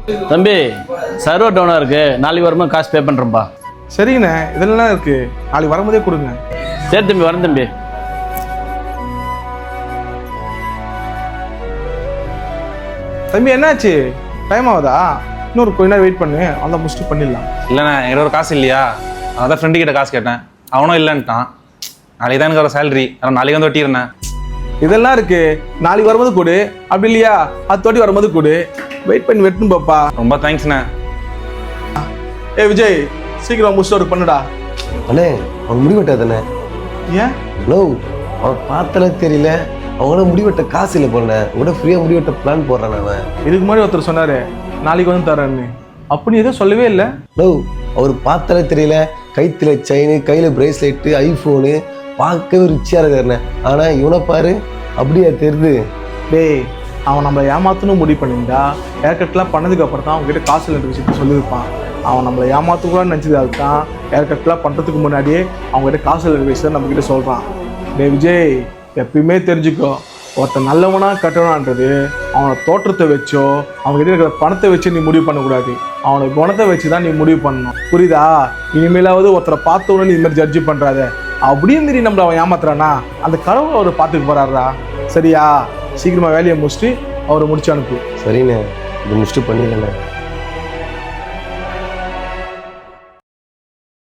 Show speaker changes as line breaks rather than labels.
தம்பி சர்வர் டவுனாக இருக்கு, நாளைக்கு வரும்போது காசு பே பண்ணுறேன்ப்பா.
சரிங்கண்ணே, இதெல்லாம் இருக்கு, நாளைக்கு வரும்போதே கொடுங்க.
சரி தம்பி, வரேன் தம்பி.
தம்பி என்னாச்சு, டைம் ஆகுதா? இன்னொரு கொஞ்ச நேரம் வெயிட் பண்ணு, அந்த முடிச்சுட்டு பண்ணிடலாம்.
இல்லைண்ணே, என்கிட்ட ஒரு காசு இல்லையா, அதான் ஃப்ரெண்டு கிட்ட காசு கேட்டேன், அவனும் இல்லைன்ட்டான். நாளைக்கு தான் எனக்கு ஒரு சேலரி, ஆனால் நாளைக்கு வந்து வெட்டிடுறேன்.
இதெல்லாம் இருக்கு, நாளைக்கு வரும்போது கொடு, அப்படி இல்லையா அத்தோட்டி வரும்போது கொடு. வெயிட் பண்ணி வெட்டணும் பாப்பா.
ரொம்ப தேங்க்ஸ்ண்ணே.
விஜய், சீக்கிரம் முடிச்சுட்டு ஒரு பண்ணுடா.
அண்ணே, அவன் முடிவெட்டாதானே?
ஏன்?
ஹலோ, அவன் பார்த்தாலே தெரியல, அவங்கள முடிவெட்ட காசு இல்லை போனேன், கூட ஃப்ரீயாக முடிவெட்ட பிளான் போடுறான் அவன்.
இதுக்கு முன்னாடி ஒருத்தர் சொன்னாரு நாளைக்கு வந்து தரேன்னு, அப்படி எதுவும் சொல்லவே இல்லை.
ஹலோ, அவர் பார்த்தாலே தெரியல, கைத்துல செயின், கையில் பிரேஸ்லெட்டு, ஐஃபோனு, பார்க்கவே ரிச்சியாக இருக்காருண்ணே. ஆனால் இவனை பாரு, அப்படியா தெரியுது?
டேய், அவன் நம்மளை ஏமாத்தணும் முடிவு பண்ணியிருந்தா ஏர்கட்லாம் பண்ணதுக்கு அப்புறம் தான் அவங்ககிட்ட காசு இல்லைன்ற விஷயத்த சொல்லியிருப்பான். அவன் நம்மளை ஏமாத்தக்கூடாதுன்னு நினச்சது அதுதான். ஏர்கட்லாம் பண்ணுறதுக்கு முன்னாடியே அவங்ககிட்ட காசு இல்லைன்ற விஷயத்த நம்மக்கிட்ட சொல்கிறான். டே விஜய், எப்பயுமே தெரிஞ்சுக்கோ, ஒருத்தன் நல்லவனா கட்டணான்றது அவனை தோற்றத்தை வச்சோ அவங்ககிட்ட இருக்கிற பணத்தை வச்சு நீ முடிவு பண்ணக்கூடாது, அவனை குணத்தை வச்சு தான் நீ முடிவு பண்ணணும். புரியுதா? இனிமேலாவது ஒருத்தரை பார்த்தவொன்னு நீ இது மாதிரி ஜட்ஜி பண்ணுறாத. அப்படியே மீறி நம்மளை அவன் ஏமாத்துறானா, அந்த கடவுளை அவர் பார்த்துக்க போறாரா? சரியா? சீக்கிரமா வேலையை முடிச்சுட்டு அவரை முடிச்சு அனுப்பு.
சரிண்ணே, இது முடிச்சுட்டு பண்ணிடலண்ணே.